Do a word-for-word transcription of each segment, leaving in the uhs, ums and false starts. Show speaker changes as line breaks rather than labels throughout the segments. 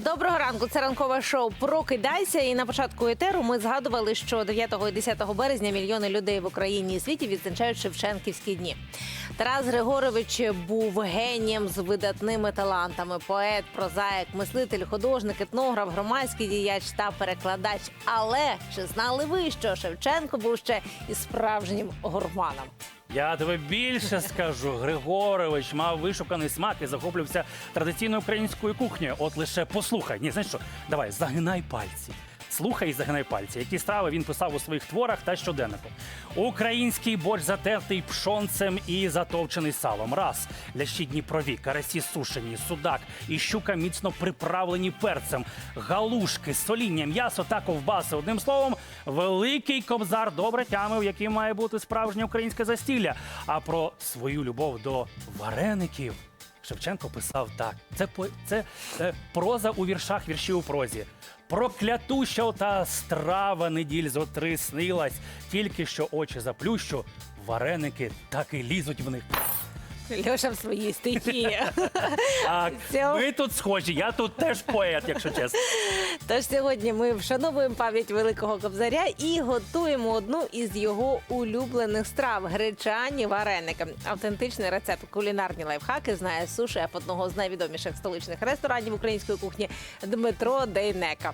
Доброго ранку, це ранкове шоу «Прокидайся». І на початку етеру ми згадували, що дев'ятого і десятого березня мільйони людей в Україні і світі відзначають Шевченківські дні. Тарас Григорович був генієм з видатними талантами. Поет, прозаїк, мислитель, художник, етнограф, громадський діяч та перекладач. Але чи знали ви, що Шевченко був ще і справжнім гурманом?
Я тебе більше скажу. Григорович мав вишуканий смак і захоплювався традиційною українською кухнею. От лише послухай. Ні, знаєш що? Давай, загинай пальці. Слухай і загинай пальці. Які страви він писав у своїх творах та щоденнику. Український борщ затертий пшонцем і затовчений салом. Раз. Лящі дніпрові, карасі сушені, судак і щука міцно приправлені перцем. Галушки, соління, м'ясо та ковбаси. Одним словом, великий кобзар добре тямив, яким має бути справжнє українське застілля. А про свою любов до вареників Шевченко писав так. Це, по- це е, проза у віршах, вірші у прозі. Проклятуща та страва неділь зо три снилась, тільки що очі заплющу, вареники так і лізуть в них.
Льоша в своїй стихії.
А
Цього-
ми тут схожі, я тут теж поет, якщо чесно.
Тож сьогодні ми вшановуємо пам'ять великого кобзаря і готуємо одну із його улюблених страв – гречані вареники. Автентичний рецепт, кулінарні лайфхаки знає су-шеф одного з найвідоміших столичних ресторанів української кухні Дмитро Дейнека.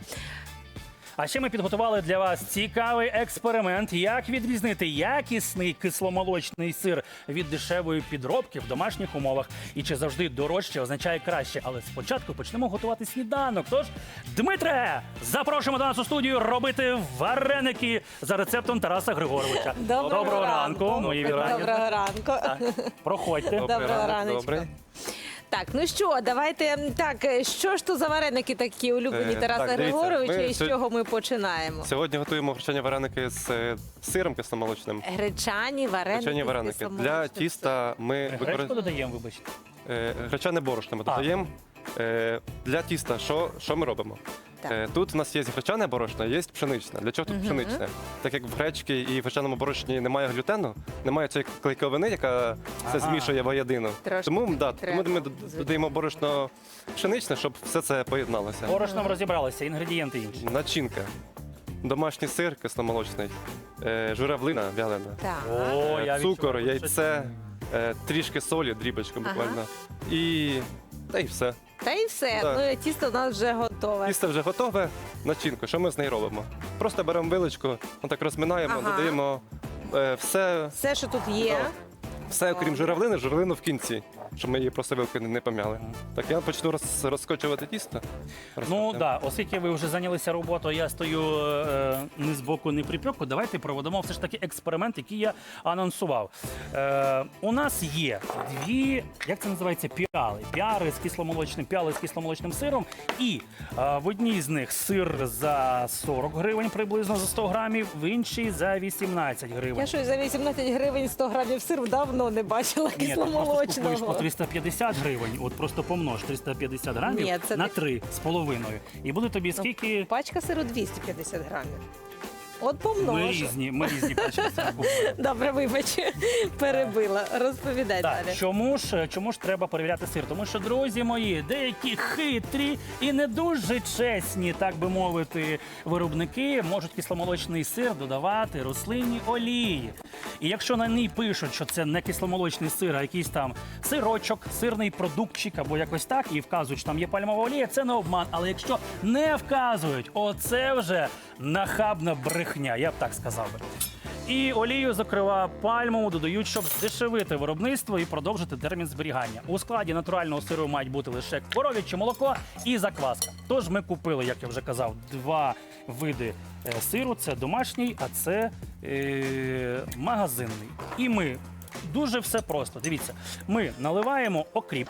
А ще ми підготували для вас цікавий експеримент, як відрізнити якісний кисломолочний сир від дешевої підробки в домашніх умовах. І чи завжди дорожче означає краще. Але спочатку почнемо готувати сніданок. Тож, Дмитре, запрошуємо до нас у студію робити вареники за рецептом Тараса Григоровича.
Доброго
ранку,
ранку.
мої вітання.
Доброго ранку.
Так, проходьте.
Доброго раночку.
Добрий.
Так, ну що, давайте, так, що ж то за вареники такі улюблені
Е,
Тараса
так, дивіться,
Григоровича
ми
і з
сьо-
чого ми починаємо?
Сьогодні готуємо гречані вареники з е, сиром кисломолочним.
Гречані вареники.
Гречані
з
вареники. Для
кисломолочним
тіста ми
Гречку
використовуємо
додаємо, вибачте.
гречане борошно. Ми
А.
додаємо. Е, Для тіста що, що ми робимо?
Так.
Е, Тут у нас є гречане борошно, є пшеничне. Для чого тут
Мгм.
пшеничне? Так як в гречці і в гречаному борошні немає глютену, немає цієї клейковини, яка все
Ага.
змішує воєдино.
Трошки
Тому, да,
треба,
тому ми д-
звичайно.
додаємо борошно пшеничне, щоб все це поєдналося.
Борошном розібралися, інгредієнти інші.
Начинка. Домашній сир кисломолочний, е, журавлина вялена,
Так.
О,
е,
я
цукор,
відчуваю, що
яйце, е, трішки солі, дрібочку
Ага.
буквально. І та й все.
Та і все,
Так.
ну і тісто у нас вже готове.
Тісто вже готове. Начинку. Що ми з нею робимо? Просто беремо виличку, отак розминаємо,
Ага.
додаємо е, все,
Все, що тут є.
Так. все, окрім журавлини, журавлину в кінці, щоб ми її просто вилки не пом'яли. Так я почну роз, розкочувати тісто.
Ну
Розкочуємо.
да, оскільки ви вже зайнялися роботою, я стою е, ні з боку, ні припеку. Давайте проведемо все ж таки експеримент, який я анонсував. Е, у нас є дві, як це називається, піали. Піари з кисломолочним, піали з кисломолочним сиром. І е, в одній з них сир за сорок гривень приблизно за сто грамів, в іншій за вісімнадцять гривень.
Я щось за вісімнадцять гривень сто грамів сиру давно не бачила
Ні, ти просто купуєш по
кисломолочного.
триста п'ятдесят гривень, от просто помнож триста п'ятдесят грамів
Ні, це
на
не-
три з половиною. І буде тобі скільки...
Пачка сиру двісті п'ятдесят грамів. От
Ми
помножу.
різні, ми різні пачки сиру купуємо.
Добре, вибач, перебила. Розповідай
Так,
далі.
чому ж, чому ж треба перевіряти сир? Тому що, друзі мої, деякі хитрі і не дуже чесні, так би мовити, виробники можуть кисломолочний сир додавати рослинні олії. І якщо на ній пишуть, що це не кисломолочний сир, а якийсь там сирочок, сирний продуктчик або якось так, і вказують, що там є пальмова олія, це не обман. Але якщо не вказують, оце вже нахабна брехня, я б так сказав би. І олію, зокрема, пальмову додають, щоб здешевити виробництво і продовжити термін зберігання. У складі натурального сиру мають бути лише коров'яче молоко і закваска. Тож ми купили, як я вже казав, два види е, сиру. Це домашній, а це е, магазинний. І ми дуже все просто. Дивіться, ми наливаємо окріп.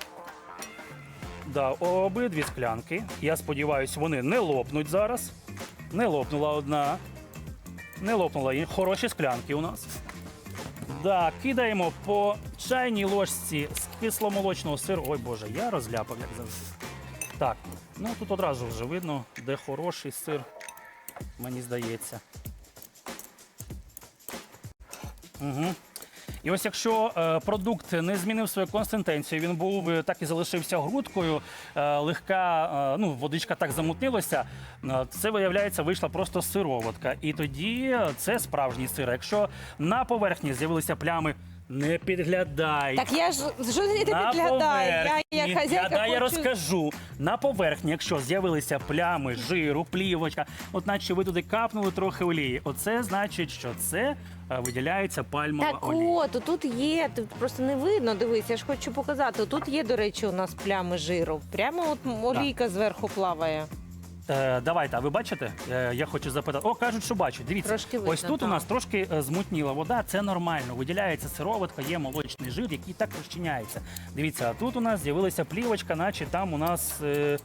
Да, обидві склянки. Я сподіваюся, вони не лопнуть зараз. Не лопнула одна. Не лопнула. І хороші склянки у нас. Да, кидаємо по чайній ложці з кисломолочного сиру. Ой, Боже, я розляпав, як завжди. Так, ну тут одразу вже видно, де хороший сир, мені здається. Угу. І ось якщо е, продукт не змінив свою консистенцію, він був е, так і залишився грудкою, е, легка, е, ну, водичка так замутнилася, е, це, виявляється, вийшла просто сироватка. І тоді це справжній сир. Якщо на поверхні з'явилися плями, не підглядай.
Так я ж що ти
На
підглядаю? Я
поверхні,
як хазяйка
да, я
хочу...
розкажу. На поверхні, якщо з'явилися плями, жиру, плівочка, от наче ви туди капнули трохи олії, оце значить, що це е, виділяється пальмова
Так
олія.
от, тут є, тут просто не видно, дивись, я ж хочу показати. Тут є, до речі, у нас плями жиру. Прямо от олійка зверху плаває.
Е, давайте, а ви бачите? Е, я хочу запитати. О, кажуть, що бачать. Дивіться,
Трошки видно,
ось тут
так.
у нас трошки е, змутніла вода, це нормально. Виділяється сироватка, є молочний жир, який так розчиняється. Дивіться, а тут у нас з'явилася плівочка, наче там у нас. Е,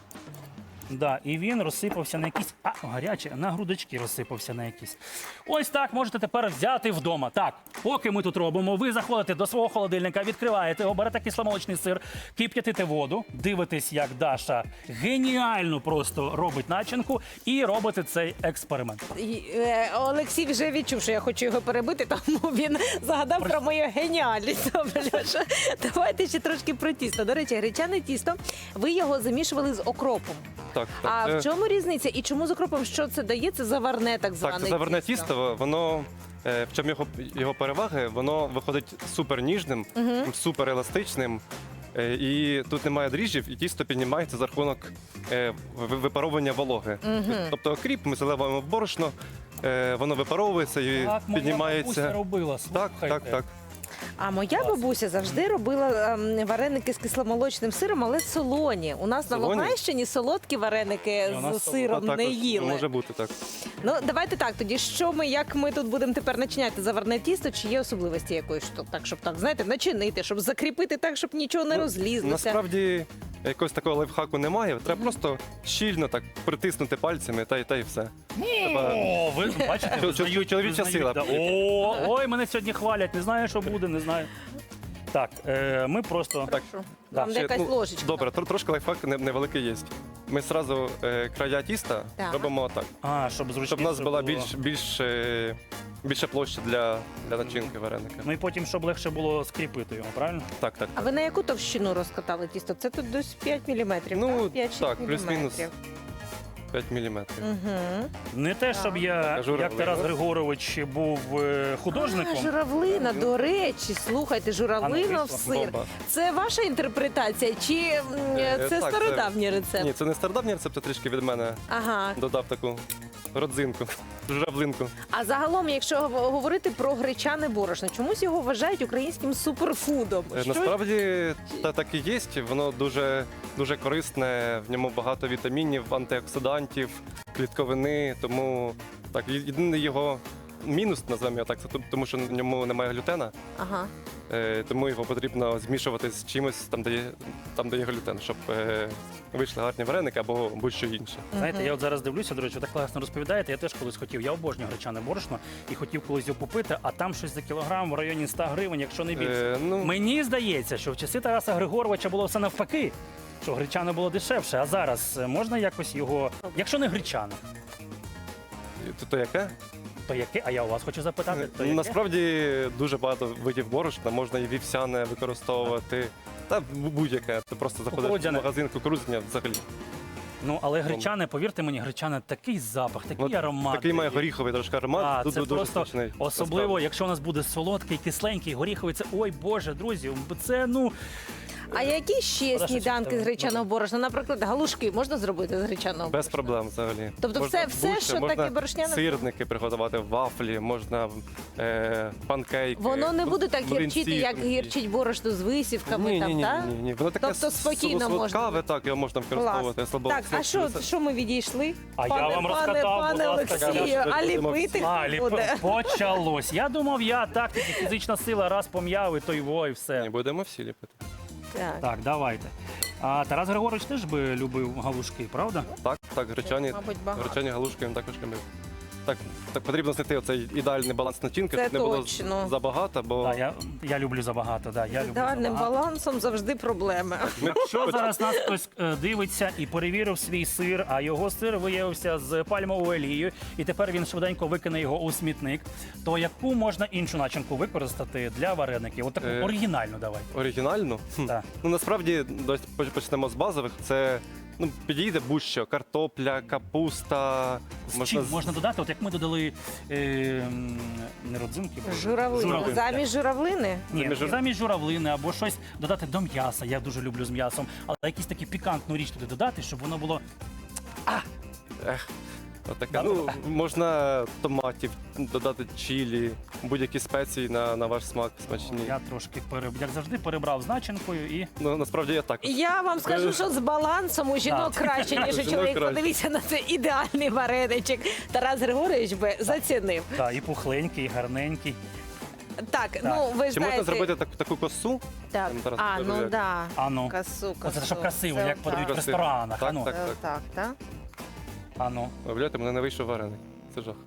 Да, і він розсипався на якісь. А, гаряче, на грудочки розсипався на якісь. Ось так можете тепер взяти вдома. Так, поки ми тут робимо, ви заходите до свого холодильника, відкриваєте його, берете кисломолочний сир, кип'ятите воду, дивитесь, як Даша геніально просто робить начинку, і робите цей експеримент.
І, е, Олексій вже відчув, що я хочу його перебити, тому він загадав про мою геніальність. Добре, Льоша. Давайте ще трошки про тісто. До речі, гречане тісто, ви його замішували з окропом.
Так, так.
А
це-
в чому різниця? І чому з окропом? Що це дає? Це заварне так зване
Так, це заверне тісто, воно е, в чому його, його переваги, воно виходить супер ніжним, супер еластичним. е, І тут немає дріжджів, і тісто піднімається за рахунок е, ви- випаровування вологи. Тобто окріп ми заливаємо в борошно, е, воно випаровується і
Так, моя бабуся
піднімається.
робила,
Так,
слухайте.
так, так.
А моя бабуся завжди робила ем, вареники з кисломолочним сиром, але солоні. У нас на
Солоні?
Луганщині солодкі вареники
І у нас
з сиром
А
не
також
їли.
може бути так.
Ну давайте так. Тоді що ми, як ми тут будемо тепер начиняти заварне тісто? Чи є особливості якоїсь що так, щоб так знаєте, начинити, щоб закріпити так, щоб нічого не
Ну,
розлізлося?
Насправді якогось такого лайфхаку немає. Треба просто щільно так притиснути пальцями та й та й все. Треба-
О, ви бачите,
Чол-
визнають,
чоловіча
визнають,
сила.
да. О, ой, мене сьогодні хвалять, не знаю, що буде, не знаю. Так, е, ми просто.
Так,
Вам
ще,
де якась
ну,
ложечка.
Добре, тр- трошки лайфхак не- невеликий є. Ми одразу е, края тіста
Так.
робимо так,
А, щоб зручніше
щоб у нас була
було.
більш, більш, е, більша площа для, для начинки вареника.
Ну і потім, щоб легше було скріпити його, правильно?
Так, так.
А ви на яку товщину розкатали тісто? Це тут десь п'ять міліметрів.
Ну,
п'ять-шість
так, плюс-мінус.
міліметрів.
п'ять міліметрів.
Угу.
Не те, щоб я, як
Журавлина.
Тарас Григорович, був е, художником.
А, журавлина, до речі, слухайте, журавлина
А,
в
ну,
сир.
Бомба.
Це ваша інтерпретація, чи м,
Е,
це
так,
стародавній рецепт?
Ні, це не стародавній рецепт, це трішки від мене
Ага.
додав таку родзинку, журавлинку.
А загалом, якщо гов- говорити про гречане борошно, чомусь його вважають українським суперфудом.
Е,
Що-
Насправді та так і є, воно дуже, дуже корисне, в ньому багато вітамінів, антиоксидантів, клітковини, тому так, є- єдиний його мінус, називаємо його так, це ту- тому що в ньому немає глютена,
Ага.
е, тому його потрібно змішувати з чимось, там, де є, там, де є глютен, щоб е, вийшли гарні вареники або будь-що інше.
Знаєте, я от зараз дивлюся, до речі, ви так класно розповідаєте. Я теж колись хотів. Я обожнюю гречане борошно і хотів колись його купити, а там щось за кілограм в районі ста гривень, якщо не більше.
Е, ну,
Мені здається, що в часи Тараса Григоровича було все навпаки, що гречане було дешевше. А зараз е, можна якось його, якщо не гречане,
то, то яке?
то яке? А я у вас хочу запитати, то яке?
Насправді дуже багато видів борошна, можна і вівсяне використовувати, та будь-яке. Ти просто заходиш в
Кукурудзяне.
магазин кукурудзяне взагалі.
Ну, але гречане, повірте мені, гречане такий запах, такий
От
аромат.
Такий має горіховий трошки аромат,
А,
тут
це
дуже
просто
смачний.
особливо,
насправді.
якщо у нас буде солодкий, кисленький, горіховий, це ой Боже, друзі, це ну.
А які ще
Шкода, що
сніданки
це
з гречаного борошна? Наприклад, галушки можна зробити з гречаного
Без
борошна?
проблем взагалі.
Тобто
Можна
все- все,
будь-що,
що
можна
таке борошняне?
Сирники приготувати, вафлі, можна е, панкейки.
Воно не
бу-
буде так
млинці
гірчити, як
тонкі.
гірчить борошно з висівками
Ні,
там,
ні, ні,
так?
ні, ні. Воно таке
Тобто спокійно можна.
солодкаве, так, його можна використовувати. слабо-
Так, а що,
слабо-
що ми відійшли?
А я
пане,
вам
пане,
розкатав,
пане
будь ласка,
Олексію,
я ж
а
будемо
ліпити
А,
хто
ліп...
буде?
почалось. Я думав, я так, тільки фізична сила, раз пом'яв, і то й во, і
Ні,
все.
будемо всі ліпити.
Так.
Так, давайте. А Тарас Григорович теж би любив галушки, правда?
Так, так, гречані,
Мабуть, багато.
гречані галушки він також любив. так, так потрібно знайти оцей ідеальний баланс начинки,
Це
щоб не було
точно.
з- забагато, бо
Да, я, я люблю забагато. Да, я
З
люблю
ідеальним
забагато.
балансом завжди проблеми.
ми
Якщо зараз нас хтось е, дивиться і перевірив свій сир, а його сир виявився з пальмовою олією, і тепер він швиденько викине його у смітник, то яку можна іншу начинку використати для вареників? От таку
Е,
оригінальну давай.
оригінально. Хм.
Так.
Ну насправді дось поч- почнемо з базових. Це ну підійде будь-що: картопля, капуста.
З чим можна додати, от як ми додали е, м, не родзинки, бо-
Журавлини.
журавлини.
Замість журавлини?
Ні,
Замість жур-
замість журавлини або щось додати до м'яса. Я дуже люблю з м'ясом, але якісь такі пікантну річ туди додати, щоб воно було.
Ех, отаке. Ну, можна томатів, додати чилі, будь-які спеції на, на ваш смак смачні.
Я трошки переб... як завжди перебрав з начинкою і
Ну насправді я так.
Я вам скажу, що з балансом у жінок
Так.
краще, ніж у
Жінок
чоловік.
краще.
Подивіться на цей ідеальний вареничок. Тарас Григорович би зацінив.
та, і пухленький, і гарненький.
Так, ну ви
Чи можна
знаєте.
зробити так, таку косу?
Так.
Там зараз
А,
покажу,
ну
як.
да.
А ну.
Касу, касу.
Оце щоб красиво,
Це
як
отак.
подають в
Красиво.
ресторанах.
Так,
а ну.
так.
Це отак, так?
А ну.
Виявляєте, мене не вийшов вареник. Це жах.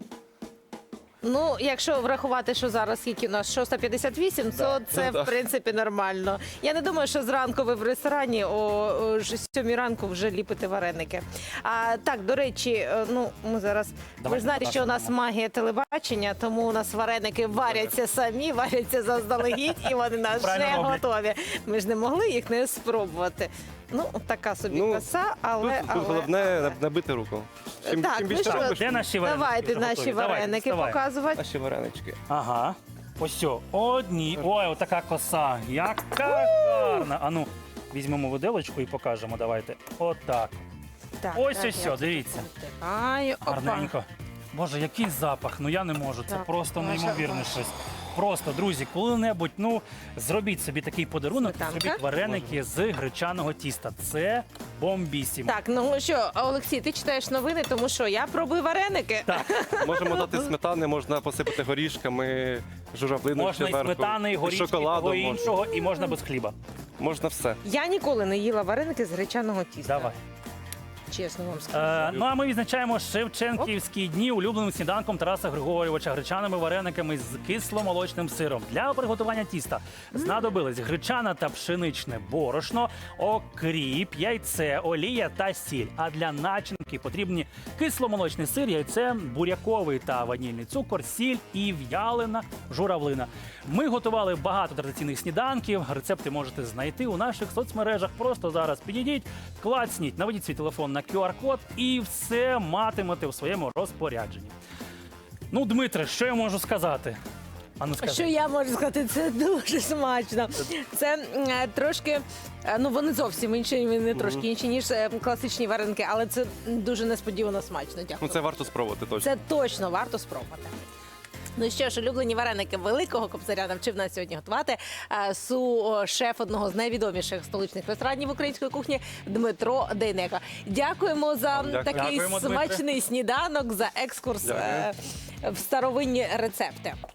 Ну, якщо врахувати, що зараз скільки у нас шоста п'ятдесят вісім, то це
Ну, да.
в принципі нормально. Я не думаю, що зранку ви в ресторані о, о ж- сьомій ранку вже ліпите вареники. А так, до речі, е, ну ми зараз
Давайте
ви знаєте, що у нас
покажемо.
магія телебачення, тому у нас вареники варяться самі, варяться заздалегідь, і вони у нас вже
Правильно роблять.
готові. Ми ж не могли їх не спробувати. Ну, така собі
Ну,
коса, але,
Тут,
але
тут головне
але.
не- набити руку. Чим,
Так,
чим
ну
більше
що,
робиш,
Де наші вареники?
Давайте
Вже
наші
готові. Давайте,
вареники
вставай.
показувати.
наші варенички.
Ага. Ось все. Одні. Ой, отака коса. Яка гарна. А ну, візьмемо виделочку і покажемо. Давайте. Отак.
Так,
Ось
так,
ось все,
я
дивіться.
Ай, опа.
Гарненько. Боже, який запах. Ну я не можу. Це
Так,
просто
Маша,
неймовірне
Маша.
щось. Просто, друзі, коли-небудь, ну, зробіть собі такий подарунок,
Сметанка?
зробіть вареники з гречаного тіста. Це бомбісімо.
Так, ну що, Олексій, ти читаєш новини, тому що я пробую вареники.
Так.
Можемо дати сметани, можна посипати горішками, журавлиною
Можна і
зверху,
сметани, і горішки, і того
шоколадом. Можна.
іншого, і можна без хліба.
можна все.
Я ніколи не їла вареники з гречаного тіста.
Давай.
Чесно вам скажу.
Е, ну а ми відзначаємо Шевченківські дні улюбленим сніданком Тараса Григорьовича гречаними варениками з кисломолочним сиром. Для приготування тіста знадобились гречана та пшеничне борошно, окріп, яйце, олія та сіль. А для начинки потрібні кисломолочний сир, яйце, буряковий та ванільний цукор, сіль і в'ялена журавлина. Ми готували багато традиційних сніданків. Рецепти можете знайти у наших соцмережах. Просто зараз підійдіть, клацніть, наведіть свій телефон на ку ар код і все матимете у своєму розпорядженні. Ну, Дмитре, що я можу сказати? А ну скажи.
Що я можу сказати, це дуже смачно. Це м, е, трошки, е, ну вони зовсім інші, не трошки інші, ніж е, класичні вареники, але це дуже несподівано смачно. Дякую.
Ну це варто спробувати точно.
Це точно варто спробувати. Ну що ж, улюблені вареники великого кобзаря навчив нас сьогодні готувати е, су-шеф одного з найвідоміших столичних ресторанів української кухні Дмитро Дейнеко. Дякуємо за
Дякую.
такий
Дякуємо, Дмитре.
смачний сніданок, за екскурс
Дякую.
е, в старовинні рецепти.